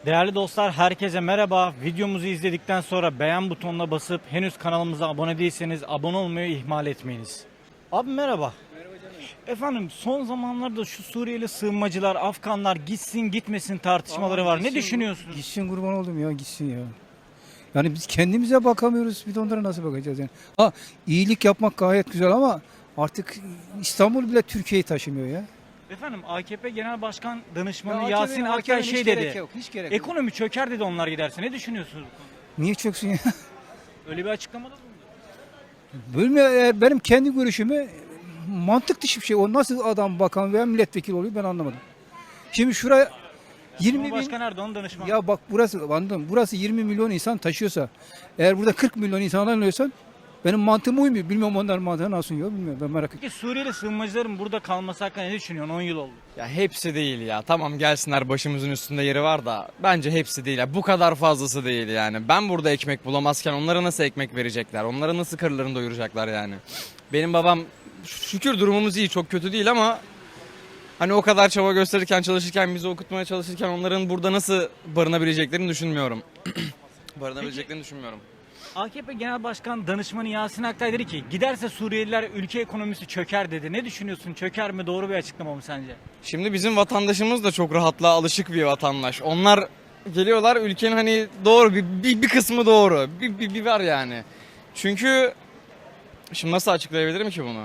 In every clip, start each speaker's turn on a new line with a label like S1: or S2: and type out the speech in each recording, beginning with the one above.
S1: Değerli dostlar, herkese merhaba. Videomuzu izledikten sonra beğen butonuna basıp henüz kanalımıza abone değilseniz abone olmayı ihmal etmeyiniz. Abi merhaba.
S2: Merhaba canım.
S1: Efendim son zamanlarda şu Suriyeli sığınmacılar, Afganlar gitsin gitmesin tartışmaları var. Ne
S2: Gitsin,
S1: düşünüyorsunuz?
S2: Gitsin kurban oldum ya gitsin ya. Yani biz kendimize bakamıyoruz. Bir de onlara nasıl bakacağız yani. Ha iyilik yapmak gayet güzel ama artık İstanbul bile Türkiye'yi taşımıyor ya.
S1: Efendim AKP Genel Başkan Danışmanı
S2: Ya
S1: Yasin Akyay
S2: AKP'nin
S1: şey
S2: hiç gerek
S1: dedi.
S2: yok, hiç gerek yok.
S1: Ekonomi çöker dedi onlar giderse. Ne düşünüyorsunuz bu konuda?
S2: Niye çöksün ya?
S1: Öyle bir açıklamada bulundu.
S2: Benim kendi görüşümü mantık dışı bir şey. O nasıl adam bakan veya milletvekili oluyor ben anlamadım. Şimdi şuraya 20 bin...
S1: Cumhurbaşkanı Erdoğan danışmanı.
S2: Ya bak burası 20 milyon insan taşıyorsa eğer burada 40 milyon insandan alıyorsan benim mantığıma uymuyor. Bilmiyorum onların mantığına nasıl uyuyor bilmiyorum ben merak ettim.
S1: Peki Suriyeli sığınmacıların burada kalması hakkında ne düşünüyorsun? 10 yıl oldu.
S3: Ya hepsi değil ya. Tamam gelsinler başımızın üstünde yeri var da bence hepsi değil. Ya bu kadar fazlası değil yani. Ben burada ekmek bulamazken onlara nasıl ekmek verecekler? Onlara nasıl karınlarını doyuracaklar yani? Benim babam şükür durumumuz iyi, çok kötü değil ama hani o kadar çaba gösterirken, çalışırken, bizi okutmaya çalışırken onların burada nasıl barınabileceklerini düşünmüyorum. Barınabileceklerini düşünmüyorum.
S1: AKP Genel Başkan Danışmanı Yasin Akyay dedi ki giderse Suriyeliler ülke ekonomisi çöker dedi. Ne düşünüyorsun? Çöker mi? Doğru bir açıklama mı sence?
S3: Şimdi bizim vatandaşımız da çok rahatlığa alışık bir vatandaş. Onlar geliyorlar ülkenin hani doğru bir kısmı doğru. Bir var yani. Çünkü şimdi nasıl açıklayabilirim ki bunu?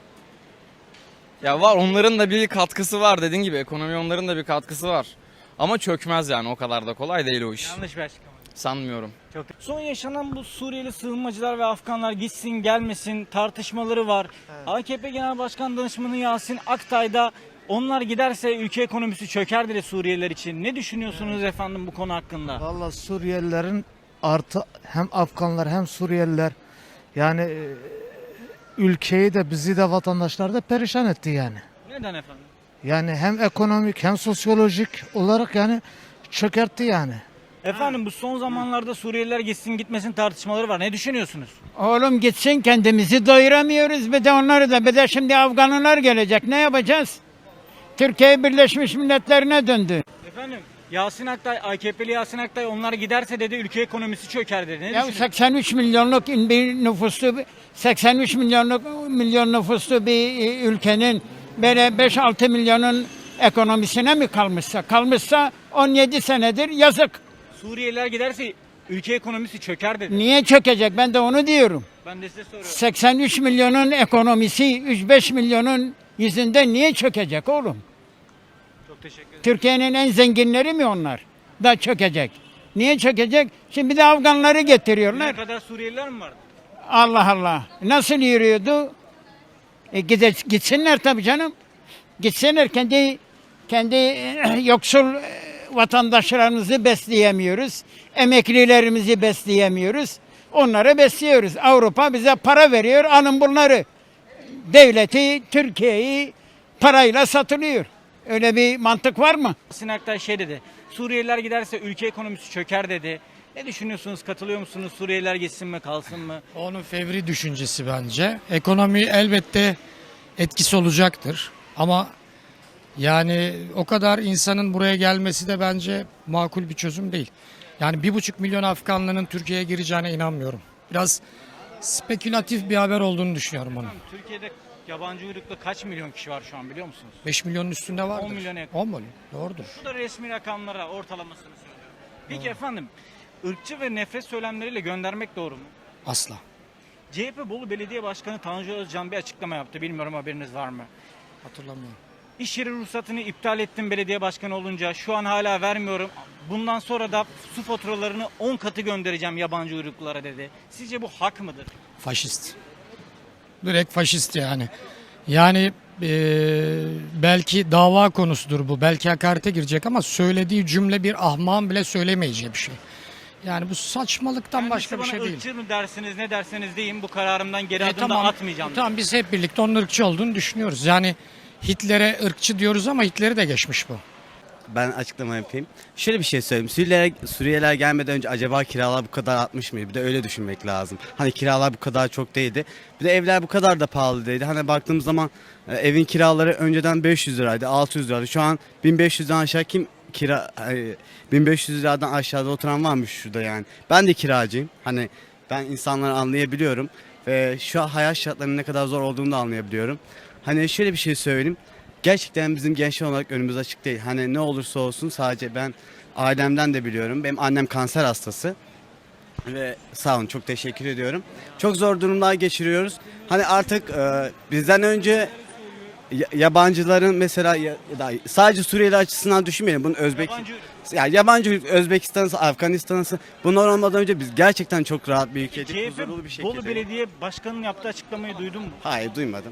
S3: Ya var onların da bir katkısı var dediğin gibi ekonomi onların da bir katkısı var. Ama çökmez yani o kadar da kolay değil o iş.
S1: Yanlış bir açıklama.
S3: Sanmıyorum.
S1: Çok. Son yaşanan bu Suriyeli sığınmacılar ve Afganlar gitsin gelmesin tartışmaları var. AKP Genel Başkan Danışmanı Yasin Akyay da onlar giderse ülke ekonomisi çöker dedi Suriyeliler için. Ne düşünüyorsunuz efendim bu konu hakkında?
S4: Valla Suriyelilerin artı hem Afganlar hem Suriyeliler yani ülkeyi de bizi de vatandaşları da perişan etti yani.
S1: Neden efendim?
S4: Yani hem ekonomik hem sosyolojik olarak yani çökertti yani.
S1: Efendim bu son zamanlarda Suriyeliler gitsin gitmesin tartışmaları var. Ne düşünüyorsunuz?
S5: Oğlum gitsin kendimizi doyuramıyoruz bir de onları da bir de şimdi Afganlar gelecek ne yapacağız? Türkiye Birleşmiş Milletler'ine döndü.
S1: Efendim Yasin Akyay, AKP'li Yasin Akyay onlar giderse dedi ülke ekonomisi çöker dedi. Ne
S5: Ya
S1: düşünüyorsunuz?
S5: 83 milyonluk bir nüfuslu 83 milyon nüfuslu bir ülkenin böyle 5-6 milyonun ekonomisine mi kalmışsa 17 senedir yazık.
S1: Suriyeliler giderse ülke ekonomisi çöker dedi.
S5: Niye çökecek ben de onu diyorum.
S1: Ben de size soruyorum.
S5: 83 milyonun ekonomisi 3-5 milyonun yüzünden niye çökecek oğlum?
S1: Çok teşekkür ederim.
S5: Türkiye'nin en zenginleri mi onlar? Da çökecek. Niye çökecek? Şimdi bir de Afganları
S1: Ne
S5: getiriyorlar.
S1: kadar Suriyeliler mi vardı?
S5: Allah Allah. Nasıl yürüyordu? Gitsinler tabii canım. Gitsinler kendi yoksul vatandaşlarımızı besleyemiyoruz. Emeklilerimizi besleyemiyoruz. Onları besliyoruz. Avrupa bize para veriyor. Alın bunları. Devleti, Türkiye'yi parayla satılıyor. Öyle bir mantık var mı?
S1: Yasin Akyay şey dedi. Suriyeliler giderse ülke ekonomisi çöker dedi. Ne düşünüyorsunuz? Katılıyor musunuz? Suriyeliler gitsin mi kalsın mı?
S6: Onun fevri düşüncesi bence. Ekonomi elbette etkisi olacaktır. Ama yani o kadar insanın buraya gelmesi de bence makul bir çözüm değil. Yani 1,5 milyon Afganlının Türkiye'ye gireceğine inanmıyorum. Biraz spekülatif bir haber olduğunu düşünüyorum onun.
S1: Türkiye'de yabancı uyruklu kaç milyon kişi var şu an biliyor musunuz?
S6: 5 milyonun üstünde vardır.
S1: 10 milyona yakın.
S6: 10 milyon. Doğrudur.
S1: Bu da resmi rakamlara ortalamasını söylüyorum. Peki efendim ırkçı ve nefret söylemleriyle göndermek doğru mu?
S6: Asla.
S1: CHP Bolu Belediye Başkanı Tanju Özcan bir açıklama yaptı. Bilmiyorum haberiniz var mı?
S6: Hatırlamıyorum.
S1: İş yeri ruhsatını iptal ettim belediye başkanı olunca. Şu an hala vermiyorum. Bundan sonra da su faturalarını 10 katı göndereceğim yabancı uyruklulara dedi. Sizce bu hak mıdır?
S6: Faşist. Direkt faşist yani. Yani belki dava konusudur bu. Belki hakarete girecek ama söylediği cümle bir ahmağın bile söylemeyeceği bir şey. Yani bu saçmalıktan
S1: Yani
S6: başka bir
S1: bana
S6: şey değil.
S1: ırkçı mı dersiniz ne derseniz deyin bu kararımdan geri adım da atmayacağım.
S6: Tamam biz hep birlikte onun ırkçı olduğunu düşünüyoruz. Yani Hitler'e ırkçı diyoruz ama Hitler'i de geçmiş bu.
S7: Ben açıklama yapayım. Şöyle bir şey söyleyeyim. Suriyeliler gelmeden önce acaba kiralar bu kadar artmış mıydı? Bir de öyle düşünmek lazım. Hani kiralar bu kadar çok değildi. Bir de evler bu kadar da pahalı değildi. Hani baktığımız zaman evin kiraları önceden 500 liraydı, 600 liraydı. Şu an 1500'den aşağı kim kira 1500 liradan aşağıda oturan varmış şurada yani. Ben de kiracıyım. Hani ben insanları anlayabiliyorum ve şu an hayat şartlarının ne kadar zor olduğunu da anlayabiliyorum. Hani şöyle bir şey söyleyeyim. Gerçekten bizim gençler olarak önümüz açık değil. Hani ne olursa olsun, sadece ben ailemden de biliyorum. Benim annem kanser hastası. Ve sağ olun, çok teşekkür ediyorum. Çok zor durumlar geçiriyoruz. Hani artık bizden önce yabancıların mesela ya da sadece Suriyeli açısından düşünmeyelim. Bunun yabancı Özbekistan'sı, Afganistan'sı, bunlar olmadan önce biz gerçekten çok rahat bir ülkeydik. Huzurlu bir
S1: CHP
S7: şekilde.
S1: Bolu Belediye Başkanı'nın yaptığı açıklamayı duydun mu?
S7: Hayır, duymadım.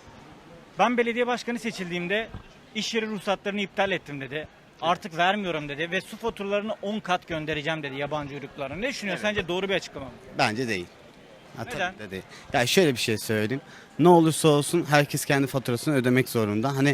S1: Ben belediye başkanı seçildiğimde iş yeri ruhsatlarını iptal ettim dedi. Artık vermiyorum dedi ve su faturalarını 10 kat göndereceğim dedi yabancı uyruklarına. Ne düşünüyorsun? Sence doğru bir açıklama mı?
S7: Bence değil.
S1: Neden?
S7: Tabii de değil. Ya şöyle bir şey söyleyeyim. Ne olursa olsun herkes kendi faturasını ödemek zorunda. Hani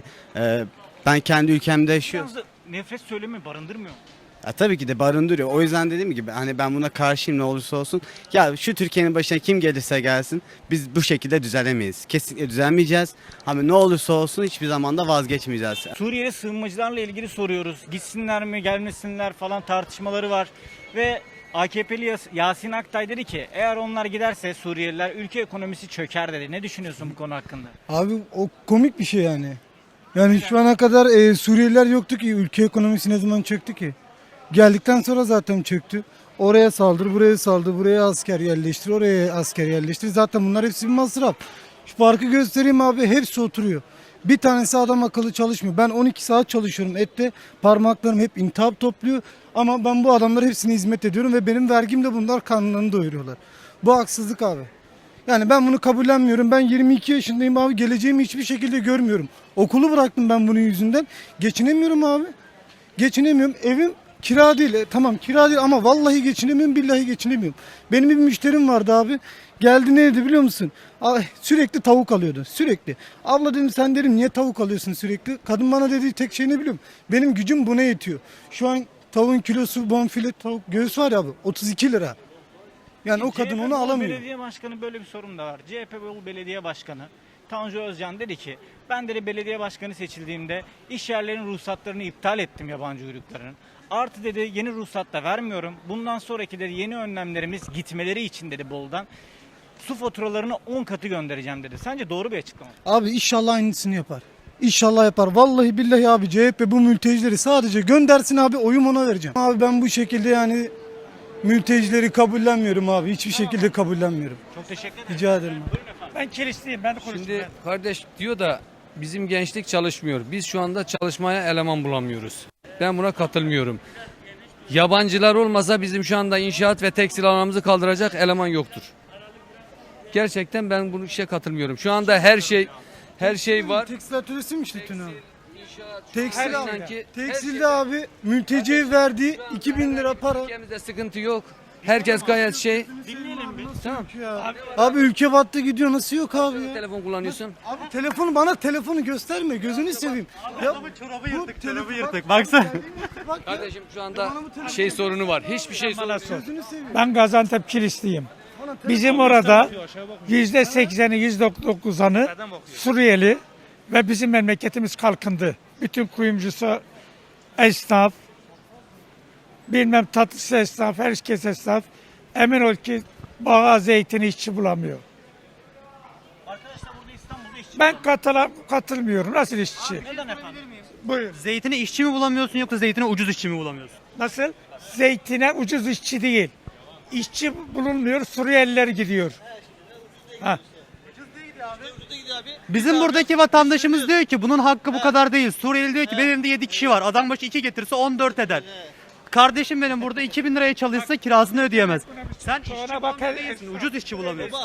S7: ben kendi ülkemde yaşıyorum.
S1: Yalnız nefret söylemi barındırmıyor mu?
S7: Ya tabii ki de barındırıyor. O yüzden dediğim gibi hani ben buna karşıyım, ne olursa olsun. Ya şu Türkiye'nin başına kim gelirse gelsin biz bu şekilde düzelemeyiz. Kesinlikle düzelmeyeceğiz. Ama ne olursa olsun hiçbir zaman da vazgeçmeyeceğiz.
S1: Suriyeli sığınmacılarla ilgili soruyoruz. Gitsinler mi gelmesinler falan tartışmaları var. Ve AKP'li Yasin Aktay dedi ki eğer onlar giderse Suriyeliler ülke ekonomisi çöker dedi. Ne düşünüyorsun bu konu hakkında?
S8: Abi o komik bir şey yani. Yani şu ana kadar Suriyeliler yoktu ki, ülke ekonomisi ne zaman çöktü ki? Geldikten sonra zaten çöktü. Oraya saldır, buraya saldır, buraya asker yerleştir, oraya asker yerleştir. Zaten bunlar hepsi bir masraf. Şu farkı göstereyim abi, hepsi oturuyor. Bir tanesi adam akıllı çalışmıyor. Ben 12 saat çalışıyorum ette, parmaklarım hep intihap topluyor. Ama ben bu adamlara hepsine hizmet ediyorum ve benim vergimle bunlar karnlarını doyuruyorlar. Bu haksızlık abi. Yani ben bunu kabullenmiyorum. Ben 22 yaşındayım abi. Geleceğimi hiçbir şekilde görmüyorum. Okulu bıraktım ben bunun yüzünden. Geçinemiyorum abi. Geçinemiyorum. Evim kira değil. Tamam kira değil ama vallahi geçinemiyorum, billahi geçinemiyorum. Benim bir müşterim vardı abi. Geldi, ne dedi biliyor musun? Sürekli tavuk alıyordu. Sürekli. Abla dedim, sen dedim niye tavuk alıyorsun sürekli? Kadın bana dediği tek şey ne biliyorum? Benim gücüm buna yetiyor. Şu an tavuğun kilosu, bonfile tavuk göğüs var ya abi, 32 lira. Yani o kadın onu alamıyor.
S1: Belediye Başkanı böyle bir sorun da var. CHP Bolu Belediye Başkanı Tanju Özcan dedi ki ben dedi belediye başkanı seçildiğimde iş yerlerinin ruhsatlarını iptal ettim yabancı uyruklarının. Artı dedi yeni ruhsat da vermiyorum. Bundan sonraki dedi yeni önlemlerimiz gitmeleri için dedi Bolu'dan su faturalarını 10 katı göndereceğim dedi. Sence doğru bir açıklama mı?
S8: Abi inşallah aynısını yapar. İnşallah yapar. Vallahi billahi abi CHP bu mültecileri sadece göndersin abi, oyum ona vereceğim. Abi ben bu şekilde yani mültecileri kabullenmiyorum abi. Hiçbir şekilde kabullenmiyorum.
S1: Çok teşekkür ederim.
S8: Rica ederim abi.
S1: Ben kilisliyim. Ben de konuştum.
S9: Şimdi kardeş diyor da bizim gençlik çalışmıyor. Biz şu anda çalışmaya eleman bulamıyoruz. Ben buna katılmıyorum. Yabancılar olmasa bizim şu anda inşaat ve tekstil alanımızı kaldıracak eleman yoktur. Gerçekten ben bu işe katılmıyorum. Şu anda her şey var.
S8: Tekstil atölyesi mi işletiyorsun abi?
S9: Her
S8: Tekstil abi.
S9: sanki
S8: Tekstilde abi mülteciye verdiği 2000 lira para.
S9: ülkemizde sıkıntı yok. Herkes gayet şey.
S8: Tamam. Abi ülke battı gidiyor, nasıl yok abi ya?
S9: Telefon kullanıyorsun.
S8: Abi telefonu, bana telefonu gösterme, gözünü seveyim. Ya çorabı yırtık,
S1: Çorabı yırtık. Baksana.
S8: Bak ya.
S9: Kardeşim şu anda şey sorunu var. Hiçbir şey sorunu yok.
S8: Gözünü seveyim.
S5: Ben Gaziantep Kilisliyim. Bizim orada %80'i %99'anı Suriyeli ve bizim memleketimiz kalkındı. Bütün kuyumcusu esnaf, bilmem tatlısı esnaf, herkes esnaf. Emin ol ki bağa zeytini işçi bulamıyor.
S1: Arkadaşlar burada İstanbul'da işçi.
S5: Ben katılmıyorum. Nasıl işçi?
S1: Neden efendim?
S5: Buyur.
S10: Zeytine işçi mi bulamıyorsun yoksa zeytine ucuz işçi mi bulamıyorsun?
S5: Nasıl? Zeytine ucuz işçi değil. İşçi bulunmuyor, Suriyeliler gidiyor. Ha.
S10: Bizim buradaki vatandaşımız diyor ki bunun hakkı bu kadar değil. Suriyeli diyor ki benim elimde 7 kişi var. Adam başı 2 getirse 14 eder. Kardeşim benim burada 2000 liraya çalışsa kirasını ödeyemez. Sen işçi
S5: Sonra bak,
S10: bulamıyor değilsin. Ucuz işçi bulamıyorsun.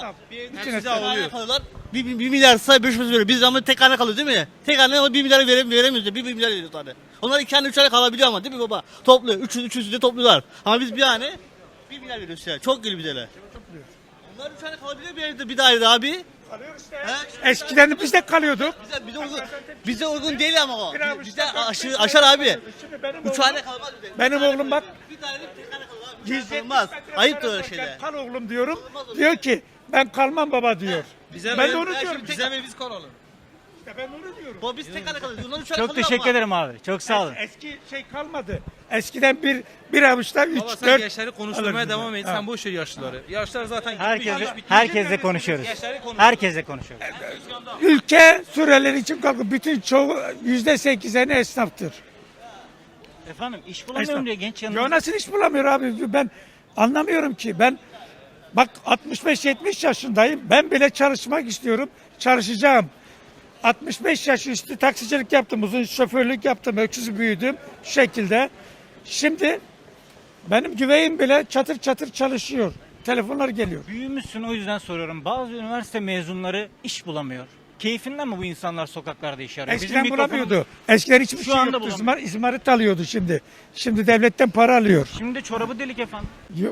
S11: Bir milyar say 500 veriyor. Biz ama tek hane kalıyoruz değil mi? Tek hane 1 milyar veremiyoruz. 1 milyar veriyor tane. Onlar 2 hane 3 hane kalabiliyor ama değil mi baba? Topluyor. 300 de topluyorlar. Ama biz bir hane 1 milyar veriyoruz ya. Çok geliyor bize. Onlar 3 hane kalabiliyor bir evde, bir dairede abi.
S5: Eskiden biz de kalıyorduk.
S11: Bize uygun değil ama o. Bize aşar abi. 3 hane kalmaz bize.
S5: Benim oğlum bak,
S11: Bir dairede tek hane kalır abi. Olmaz. Ayıptır öyle şeyler.
S5: kal oğlum diyorum. Diyor ki ben kalmam baba diyor. Ben de onu diyorum.
S11: Bize mi biz kalalım?
S12: ben onu diyorum.
S11: Baba biz tek hane kalıyoruz. Onlar 3 hane
S1: Çok
S11: kalıyor
S1: teşekkür
S11: ama.
S1: ederim abi. Çok sağ olun.
S12: Eski şey kalmadı. Eskiden bir avuçta 3
S9: Baba
S12: 4
S9: sen gençleri konuşturmaya
S12: alırdı.
S9: devam et.
S12: Ha.
S9: Sen boş ver yaşlıları. Yaşlılar zaten
S1: Herkesle konuşuyoruz. Herkesle konuşuyoruz.
S12: Ülke Suriyeliler için kalkın. Bütün çoğu %80'i esnaftır.
S1: Efendim iş bulamıyorum diye genç yanında.
S12: Ya nasıl iş bulamıyor abi? Ben anlamıyorum ki. Ben bak 65-70 yaşındayım. Ben bile çalışmak istiyorum. Çalışacağım. 65 yaş üstü taksicilik yaptım. Uzun şoförlük yaptım. Öksüz büyüdüm. Şu şekilde. Şimdi benim güveyim bile çatır çatır çalışıyor. Telefonlar geliyor.
S1: Büyümüşsün o yüzden soruyorum. Bazı üniversite mezunları iş bulamıyor. Keyfinden mi bu insanlar sokaklarda iş arıyor?
S12: Eskiden
S1: Bizim
S12: bulamıyordu. Eskiden hiçbir
S1: Şu
S12: şey
S1: anda
S12: yoktu.
S1: bulamıyor.
S12: İzmarit alıyordu şimdi. Şimdi devletten para alıyor.
S1: Şimdi çorabı delik efendim.
S12: Yok.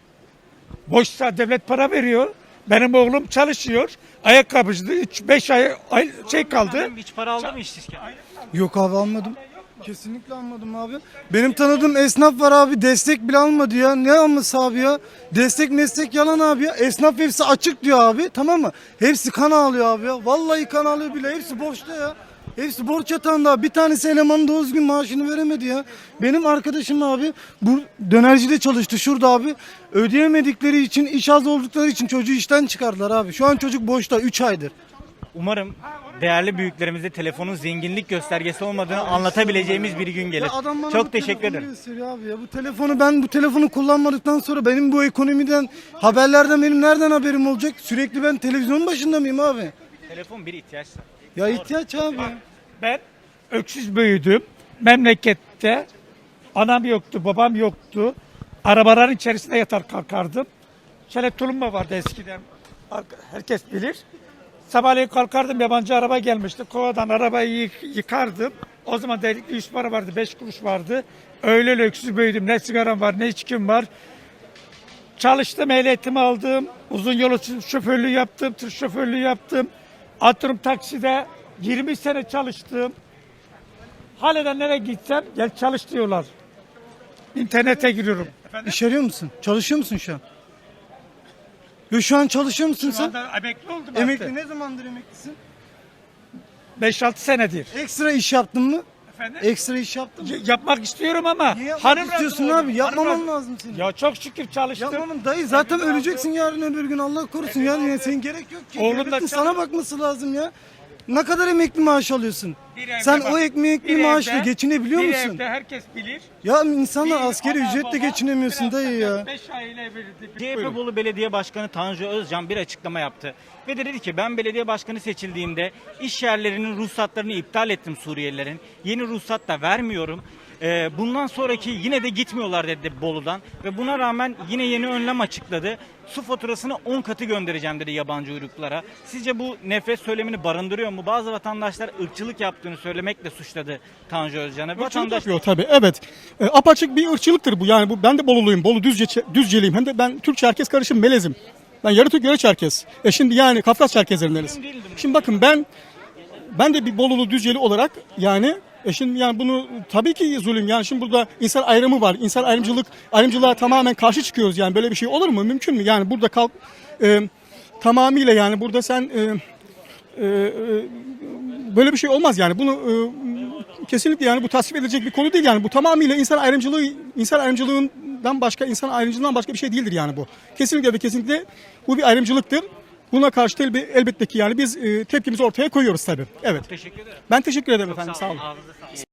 S12: Boşsa devlet para veriyor. Benim oğlum çalışıyor. Ayakkabıcı 3-5 ay şey kaldı.
S1: Efendim, hiç para aldı mı işsizken?
S8: Yok abi almadım. Kesinlikle almadım abi. Benim tanıdığım esnaf var abi, destek bile almadı ya. Ne alması abi ya? Destek meslek yalan abi ya. Esnaf hepsi açık diyor abi, tamam mı? Hepsi kan ağlıyor abi ya. Vallahi kan ağlıyor bile. Hepsi borçta ya. Hepsi borç yatağında. Bir tanesi elemanın doğru düzgün maaşını veremedi ya. Benim arkadaşım abi bu dönercide çalıştı şurada abi. Ödeyemedikleri için, iş az oldukları için çocuğu işten çıkardılar abi. Şu an çocuk boşta 3 aydır.
S1: Umarım değerli büyüklerimize telefonun zenginlik göstergesi olmadığını anlatabileceğimiz bir gün gelir.
S8: Ya adam bana
S1: Çok
S8: bu
S1: teşekkür
S8: telefonu
S1: ederim.
S8: gösteriyor abi ya. Bu telefonu kullanmadıktan sonra benim bu ekonomiden, haberlerden benim nereden haberim olacak? Sürekli ben televizyonun başında mıyım abi?
S1: Telefon bir ihtiyaçsa.
S8: Ya ihtiyaç abi.
S12: Ben öksüz büyüdüm. Memlekette anam yoktu, babam yoktu. Arabaların içerisinde yatar kalkardım. Şöyle tulumba vardı eskiden. Herkes bilir. Sabahleyin kalkardım, yabancı araba gelmişti. Kovadan arabayı yıkardım. O zaman delikli 100 para vardı, 5 kuruş vardı. Öyle öksüz büyüdüm. Ne sigaram var, ne içkim var. Çalıştım, ehliyetimi aldım. Uzun yol şoförlüğü yaptım, tır şoförlüğü yaptım. Atıyorum takside 20 sene çalıştım. Hala nereye gitsem gel çalış diyorlar. İnternete giriyorum.
S8: İş arıyor musun? Çalışıyor musun şu an? Yo, şu an çalışıyor musun
S12: Şu
S8: sen?
S12: anda emekli oldum
S8: Emekli
S12: artık.
S8: ne zamandır emeklisin?
S12: 5-6 senedir.
S8: Ekstra iş yaptın mı?
S12: Efendim?
S8: Ekstra iş yaptın mı?
S12: Yapmak istiyorum ama
S8: Niye yapmak
S12: hanım
S8: istiyorsun
S12: razı
S8: abi?
S12: olmadı.
S8: Yapmaman
S12: Hanım razı-
S8: lazım senin.
S12: Ya çok şükür çalıştım.
S8: Yapmamın dayı zaten öleceksin yarın öbür gün, Allah korusun yani senin gerek yok ki.
S12: Oğlum da
S8: Devletin
S12: çalış-
S8: sana bakması lazım ya. Ne kadar emekli maaş alıyorsun?
S12: Bir evde
S8: Sen
S12: bak,
S8: o emekli
S12: bir
S8: maaşla
S12: evde-
S8: geçinebiliyor
S12: bir
S8: musun?
S12: evde herkes bilir.
S8: Ya insanlar
S12: Bir
S8: asgari
S12: ana,
S8: ücretle
S12: baba,
S8: geçinemiyorsun
S12: biraz
S8: dayı ya.
S12: 5 aile birlikte.
S1: CHP Bolu Belediye Başkanı Tanju Özcan bir açıklama yaptı. Ve dedi ki ben belediye başkanı seçildiğimde iş yerlerinin ruhsatlarını iptal ettim Suriyelilerin. Yeni ruhsat da vermiyorum. Bundan sonraki yine de gitmiyorlar dedi Bolu'dan. Ve buna rağmen yine yeni önlem açıkladı. Su faturasını 10 katı göndereceğim dedi yabancı uyruklara. Sizce bu nefret söylemini barındırıyor mu? Bazı vatandaşlar ırkçılık yaptığını söylemekle suçladı Tanju Özcan'ı.
S13: Irkçılık yapıyor tabii, evet. Apaçık bir ırkçılıktır bu. Yani bu, ben de Boluluyum, Bolu Düzceliyim. Hem de ben Türk-Çerkez karışım melezim. Ben yarı Türk, yarı Çerkez. Şimdi yani Kafkas Çerkezlerindeniriz. Şimdi bakın ben de bir Bolulu Düzceli olarak yani şimdi yani bunu tabii ki zulüm. Yani şimdi burada insan ayrımı var. İnsan ayrımcılığa tamamen karşı çıkıyoruz. Yani böyle bir şey olur mu? Mümkün mü? Yani burada tamamıyla yani burada sen böyle bir şey olmaz yani. Bunu kesinlikle yani bu tasvip edilecek bir konu değil yani. Bu tamamıyla insan ayrımcılığından başka bir şey değildir yani bu. Kesinlikle ve kesinlikle bu bir ayrımcılıktır. Buna karşı elbette ki yani biz tepkimizi ortaya koyuyoruz tabii. Evet.
S1: Teşekkür ederim.
S13: Ben teşekkür ederim
S1: Çok
S13: efendim.
S1: sağ
S13: Sağ
S1: olun.
S13: olun.
S1: Ağzınıza sağlık.